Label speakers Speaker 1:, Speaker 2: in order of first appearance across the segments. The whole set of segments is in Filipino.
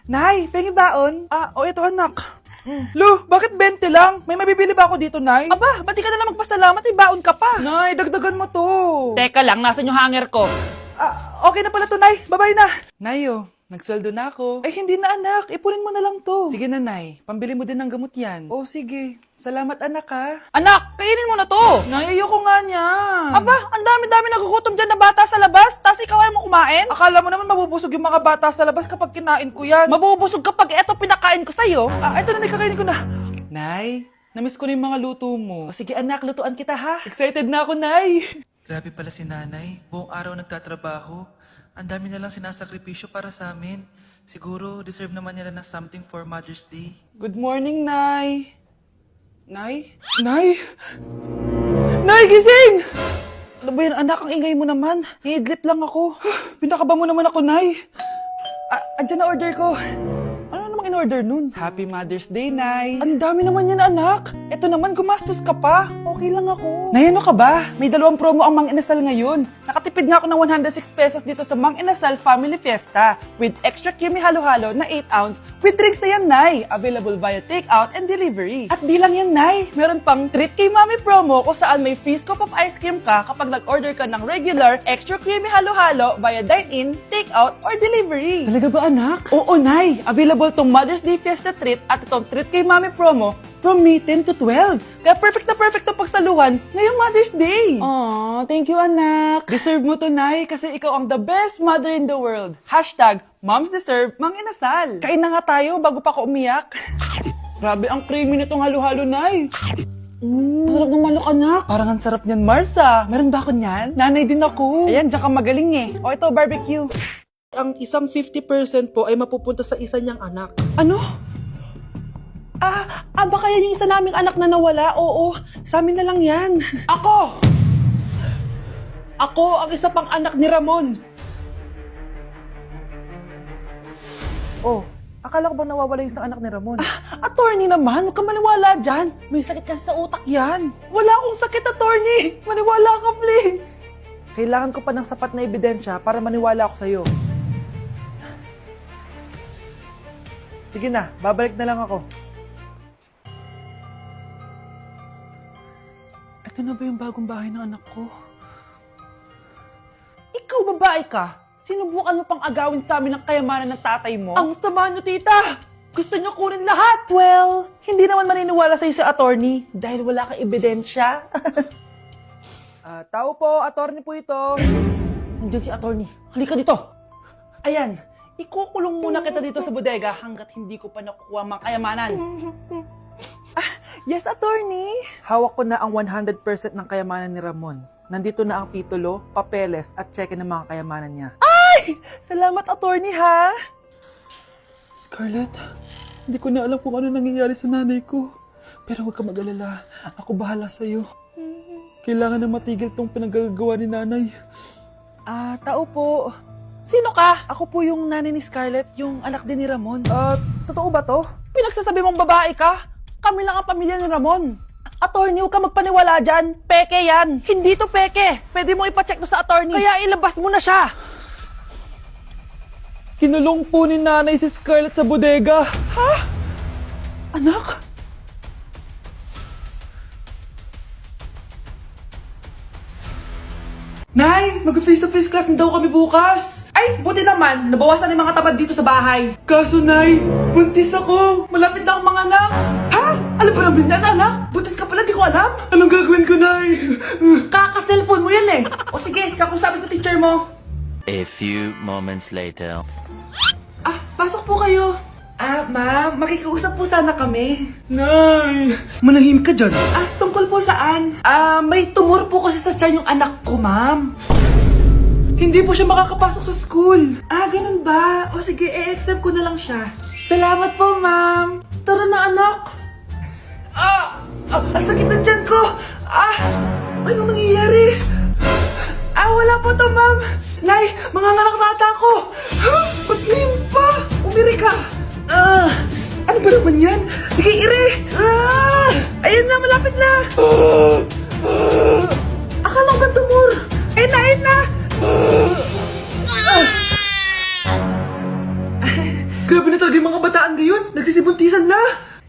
Speaker 1: Nay, pengi baon? Ito anak. Lo, bakit 20 lang? May mabibili ba ako dito, Nay? Aba, ba't di ka na lang magpasalamat? May baon ka pa. Nay, dagdagan mo to.
Speaker 2: Teka lang, nasan yung hanger ko?
Speaker 1: Okay na pala to, Nay. Bye-bye na. Nay, nagsweldo na ako. Ay, hindi na, anak. Ipunin mo na lang to. Sige na, Nay. Pambili mo din ng gamot yan. Oh, sige. Salamat, anak, ha.
Speaker 2: Anak, kainin mo na to!
Speaker 1: Nay, ayoko nga niyan.
Speaker 2: Aba, ang dami-dami nagugutom dyan na bata sa labas, tas ikaw ay mo kumain?
Speaker 1: Akala mo naman mabubusog yung mga bata sa labas kapag kinain ko yan.
Speaker 2: Mabubusog kapag eto pinakain ko sa'yo.
Speaker 1: Ito na, kakainin ko na. Nay, namiss ko na yung mga luto mo. Sige anak, lutuan kita ha. Excited na ako, Nay.
Speaker 3: Grabe pala si nanay. Buong araw nagtatrabaho. Ang dami na lang sinasakripisyo para sa amin. Siguro, deserve naman nila ng something for Mother's Day.
Speaker 1: Good morning, Nay. Nay? Nay? Nay, gising! Ano ba yan, anak? Ang ingay mo naman. Iidlip lang ako. Pinakaba mo naman ako, Nay. Andyan na order ko. Ano namang in-order nun? Happy Mother's Day, Nay. Ang dami naman yan, anak. Ito naman, gumastos ka pa. Okay lang ako. Nay, ano ka ba? May 2 promo ang Mang Inasal ngayon. Nakatipid nga ako ng 106 pesos dito sa Mang Inasal Family Fiesta with extra creamy halo-halo na 8 ounce with drinks na yan, Nay. Available via takeout and delivery. At di lang yan, Nay. Meron pang Treat kay Mami promo kung saan may free scoop of ice cream ka kapag nag-order ka ng regular extra creamy halo-halo via dine-in, takeout, or delivery. Talaga ba, anak? Oo, Nay. Available tong Mother's Day Fiesta Treat at itong Treat kay Mami promo from May 10 to 12. Kaya perfect na perfect to pagsaluhan ngayong Mother's Day. Aww, thank you, anak. Deserve mo to, Nay, kasi ikaw ang the best mother in the world. Hashtag, Moms Deserve Mang Inasal. Kain na nga tayo bago pa ako umiyak. Grabe ang creamy nitong halo-halo, Nay. Sarap ng manok, anak. Parang ang sarap niyan, Marsa. Meron ba ako niyan? Nanay din ako. Ayan, diyan ka magaling eh. O ito, barbecue. Ang isang 50% po ay mapupunta sa isa niyang anak. Ano? Baka yan yung isa naming anak na nawala? Oo, sa amin na lang yan. Ako! Ako ang isa pang anak ni Ramon. Oh, akala ko ba nawawala yung isang anak ni Ramon? Attorney naman, huwag ka maniwala dyan. May sakit kasi sa utak yan. Wala akong sakit, attorney. Maniwala ka, please. Kailangan ko pa ng sapat na ebidensya para maniwala ako sa'yo. Sige na, babalik na lang ako. Ito na ba yung bagong bahay ng anak ko? Ikaw, babae ka? Sinubukan mo pang agawin sa amin ang kayamanan ng tatay mo? Ang sama nyo, tita! Gusto nyo kunin lahat! Well, hindi naman maniniwala sa'yo si attorney dahil wala kang ebidensya. Tao po, attorney po ito. Nandiyan si attorney. Halika dito. Ayan, ikukulong muna kita dito sa bodega hanggat hindi ko pa nakukuha ang mga kayamanan. Yes, attorney. Hawak ko na ang 100% ng kayamanan ni Ramon. Nandito na ang titulo, papeles at cheque ng mga kayamanan niya. Ay! Salamat, attorney, ha? Scarlett, hindi ko na alam kung ano nangyayari sa nanay ko. Pero huwag ka mag-alala. Ako bahala sa'yo. Kailangan na matigil tong pinagagawa ni nanay. Tao po. Sino ka? Ako po yung nanay ni Scarlett, yung anak din ni Ramon. Totoo ba to? Pinagsasabi mong babae ka? Kami lang ang pamilya ni Ramon. Attorney, huwag ka magpaniwala dyan. Peke yan. Hindi to peke. Pwede mo ipacheck to sa attorney. Kaya ilabas mo na siya. Kinulong po ni nanay si Scarlett sa bodega. Ha? Anak? Nay, mag-face-to-face class na daw kami bukas. Ay, buti naman. Nabawasan yung mga tabad dito sa bahay. Kaso, Nay, buntis ako. Malapit na akong mga anak. Ha? Alam ba namin na, anak? Buntis ka pala, di ko alam. Anong gagawin ko, Nay? Kaka-cellphone mo yan eh. O sige, kakusapin ko teacher mo.
Speaker 4: A few moments later.
Speaker 1: Pasok po kayo. Ma'am, makikiusap po sana kami. Nay, manahimik ka dyan. Tungkol po saan? May tumor po kasi sa tiyan yung anak ko, ma'am. Hindi po siya makakapasok sa school. Ganun ba? O sige, e-exempt ko na lang siya. Salamat po, ma'am. Tara na, anak. Ang sakit ng tiyan ko. Anong nangyayari? Wala po to, ma'am. Nay, mga nata ko. Ba't ngayon pa? Umiri ka. Ano ba naman yan? Sige, ire! Ayan na, malapit na! Akala ko ba tumor? Ayun na, ayun na!
Speaker 3: Grabe na talaga yung mga bataan ngayon. Nagsisibuntisan na.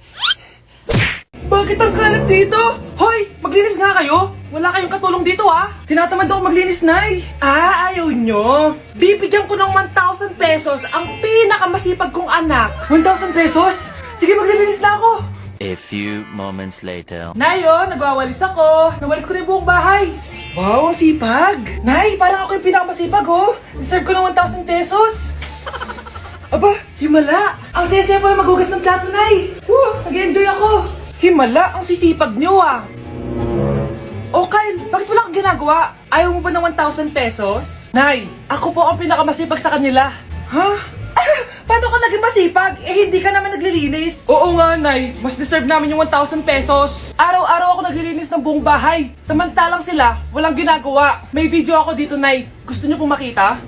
Speaker 1: Bakit ang kalat dito? Hoy! Maglinis nga kayo! Wala kayong katulong dito ah! Tinatamad ako maglinis, Nay!
Speaker 2: Ah, ayaw nyo? Bibigyan ko ng 1,000 pesos ang pinakamasipag kong anak.
Speaker 1: 1,000 pesos? Sige, maglilinis na ako!
Speaker 4: A few moments later.
Speaker 1: Nayo, nagwawalis ako! Nawalis ko na yung buong bahay! Wow, ang sipag! Nay, parang ako yung pinakamasipag oh! Deserve ko ng 1,000 pesos! Aba, himala! Ang saya-saya pa maghugas ng plato, Nay! Nag-enjoy ako! Himala, ang sisipag nyo ah! Oh, Kyle, bakit wala kang ginagawa? Ayaw mo ba ng 1,000 pesos? Nay, ako po ang pinakamasipag sa kanila. Ha? Paano ka naging masipag? Eh, hindi ka naman naglilinis. Oo nga, Nay. Mas deserve namin yung 1,000 pesos. Araw-araw ako naglilinis ng buong bahay. Samantalang sila, walang ginagawa. May video ako dito, Nay. Gusto niyo pong makita?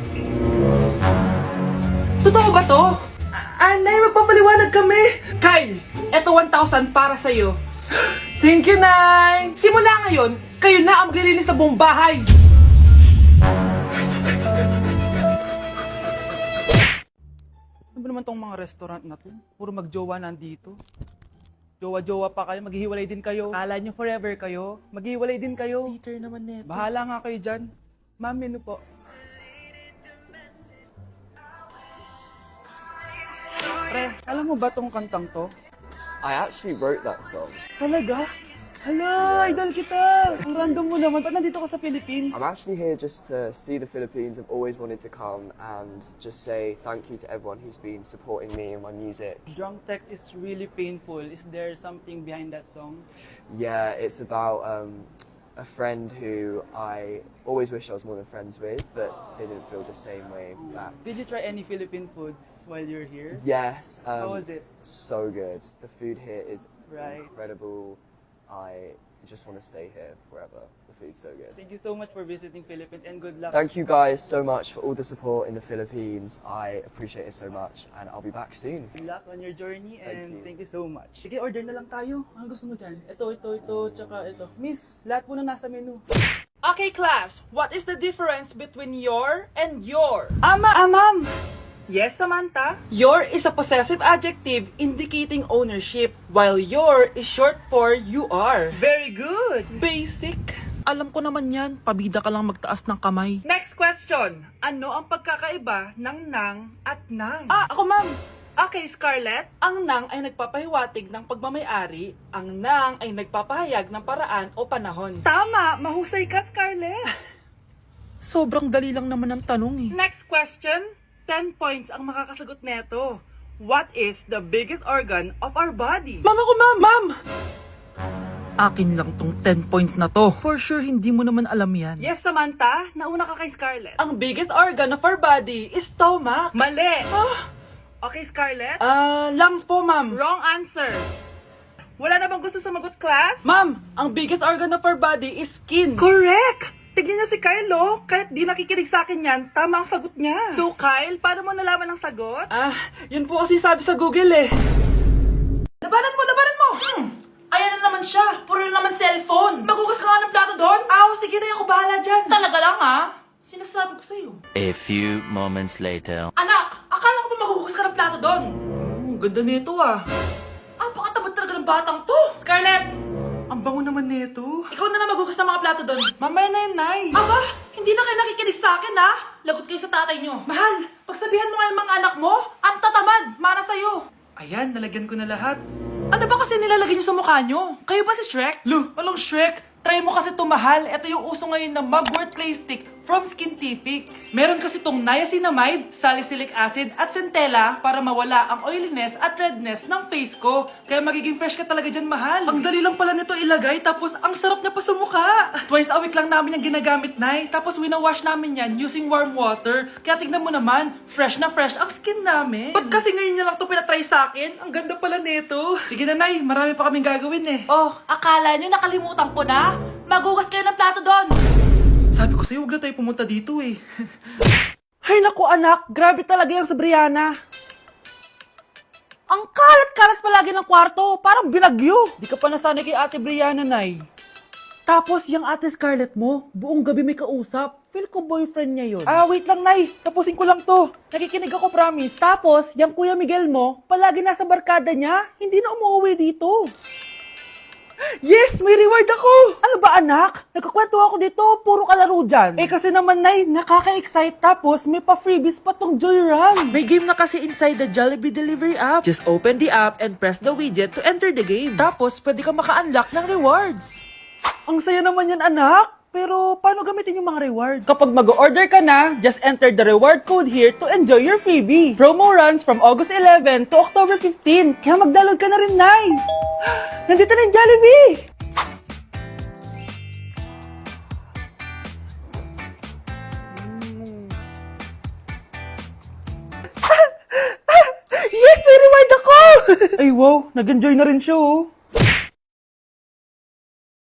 Speaker 1: Totoo ba to? Nay, magpapaliwanag kami. Kyle, eto 1,000 para sa'yo. Thank you, Nay! Simula ngayon, kayo na ang maglilinis sa buong bahay. Ano ba naman tong mga restaurant na to? Puro magjowa nandito. Jowa-jowa pa kayo, maghihiwalay din kayo. Kala nyo forever kayo, maghihiwalay din kayo.
Speaker 3: Peter naman neto.
Speaker 1: Bahala nga kayo dyan. Ma'am, menu po. Pre, alam mo ba tong kantang to?
Speaker 5: I actually wrote that song.
Speaker 1: Talaga? Hala, idol kita! Ang random mo naman. Ba't nandito ka sa Philippines?
Speaker 5: I'm actually here just to see the Philippines. I've always wanted to come and just say thank you to everyone who's been supporting me and my music.
Speaker 1: Drunk text is really painful. Is there something behind that song?
Speaker 5: Yeah, it's about a friend who I always wish I was more than friends with, but they didn't feel the same way back.
Speaker 1: Did you try any Philippine foods while you're here?
Speaker 5: Yes.
Speaker 1: How was it?
Speaker 5: So good. The food here is
Speaker 1: Right.
Speaker 5: incredible. I just want to stay here forever. The food's so good.
Speaker 1: Thank you so much for visiting Philippines and good luck.
Speaker 5: Thank you guys so much for all the support in the Philippines. I appreciate it so much, and I'll be back soon.
Speaker 1: Good luck on your journey and
Speaker 5: you.
Speaker 1: thank you so much. Sige, order na lang tayo. Ano gusto mo dyan? Ito, tsaka ito. Miss, lahat po na nasa menu.
Speaker 2: Okay, class. What is the difference between your and your?
Speaker 1: Ma'am!
Speaker 2: Yes, Samantha?
Speaker 1: Your is a possessive adjective indicating ownership, while your is short for you are.
Speaker 2: Very good.
Speaker 1: Basic. Alam ko naman yan, pabida ka lang magtaas ng kamay.
Speaker 2: Next question. Ano ang pagkakaiba ng nang at nang?
Speaker 1: Ako ma'am.
Speaker 2: Okay, Scarlett.
Speaker 1: Ang nang ay nagpapahiwatig ng pagmamayari, ang nang ay nagpapahayag ng paraan o panahon.
Speaker 2: Tama. Mahusay ka, Scarlett.
Speaker 1: Sobrang dali lang naman ang tanong eh.
Speaker 2: Next question. 10 points ang makakasagot neto. What is the biggest organ of our body?
Speaker 1: Ma'am ako ma'am! Akin lang tong 10 points na to. For sure, hindi mo naman alam yan.
Speaker 2: Yes, Samantha. Nauna ka kay Scarlett.
Speaker 1: Ang biggest organ of our body is stomach.
Speaker 2: Mali. Okay, Scarlett.
Speaker 1: Lungs po ma'am.
Speaker 2: Wrong answer. Wala na bang gusto sumagot, class?
Speaker 1: Ma'am, ang biggest organ of our body is skin.
Speaker 2: Correct! Tignan niyo si Kyle, oh. Kahit di nakikinig sa akin yan, tama ang sagot niya. So, Kyle, paano mo nalaman ang sagot?
Speaker 1: Yun po kasi sabi sa Google eh. Labanan mo! Ayan na naman siya. Puro na naman cellphone. Magugas ka nga ng plato doon? Sige na, ako bahala dyan. Talaga lang Sinasabi ko sa'yo.
Speaker 4: A few moments later.
Speaker 1: Anak, akala ko ba magugas ka ng plato doon? Ganda nito Napakatamad talaga ng batang to. Scarlett!
Speaker 3: Ang bango naman neto.
Speaker 1: Ikaw na lang magugas ng mga plato doon. Mamaya na yun, Nay. Aba, hindi na kayo nakikinig sa akin, Lagot kayo sa tatay nyo. Mahal, pagsabihan mo nga yung mga anak mo, ang tatamad, para sa'yo.
Speaker 3: Ayan, nalagyan ko na lahat.
Speaker 1: Ano ba kasi nilalagay nyo sa mukha nyo? Kayo ba si Shrek? Lu, anong Shrek? Try mo kasi mahal. Ito yung uso ngayon na mugwort clay stick from Skintific. Meron kasi tong niacinamide, salicylic acid at centella para mawala ang oiliness at redness ng face ko. Kaya magiging fresh ka talaga dyan, mahal. Ang dali lang pala nito ilagay, tapos ang sarap niya pa sa mukha. Twice a week lang namin yung ginagamit, Nay. Tapos winawash namin yan using warm water. Kaya tignan mo naman, fresh na fresh ang skin namin. Ba't kasi ngayon niya lang to pinatry sa akin? Ang ganda pala nito. Sige na, Nay. Marami pa kaming gagawin eh. Oh, akala niyo nakalimutan ko na? Magugas kayo ng plato doon.
Speaker 3: Sabi ko sa'yo, huwag na tayo pumunta dito eh.
Speaker 1: Ay naku anak, grabe talaga yung sa Brianna. Ang kalat-kalat palagi ng kwarto, parang binagyo. Di ka pa nasanay kay Ate Brianna, Nay. Tapos yung Ate Scarlett mo, buong gabi may kausap.
Speaker 2: Feel ko boyfriend niya yun.
Speaker 1: Ah, wait lang, Nay. Tapusin ko lang to. Nakikinig ako, promise.
Speaker 2: Tapos, yung Kuya Miguel mo, palagi nasa barkada niya, hindi na umuwi dito.
Speaker 1: Yes! May reward ako!
Speaker 2: Ano ba anak? Nagkakwento ako dito, puro kalaro dyan.
Speaker 1: Eh kasi naman, Nay, nakaka-excite. Tapos may pa-freebies pa tong Joy Run.
Speaker 2: May game na kasi inside the Jollibee delivery app. Just open the app and press the widget to enter the game. Tapos, pwede ka maka-unlock ng rewards.
Speaker 1: Ang saya naman yan, anak. Pero paano gamitin yung mga rewards?
Speaker 2: Kapag mag-order ka na, just enter the reward code here to enjoy your freebie. Promo runs from August 11 to October 15. Kaya mag-download ka na rin, Nay.
Speaker 1: Nandito na yung Jollibee! Yes! May reward ako!
Speaker 2: Ay wow, nag-enjoy na rin siya oh.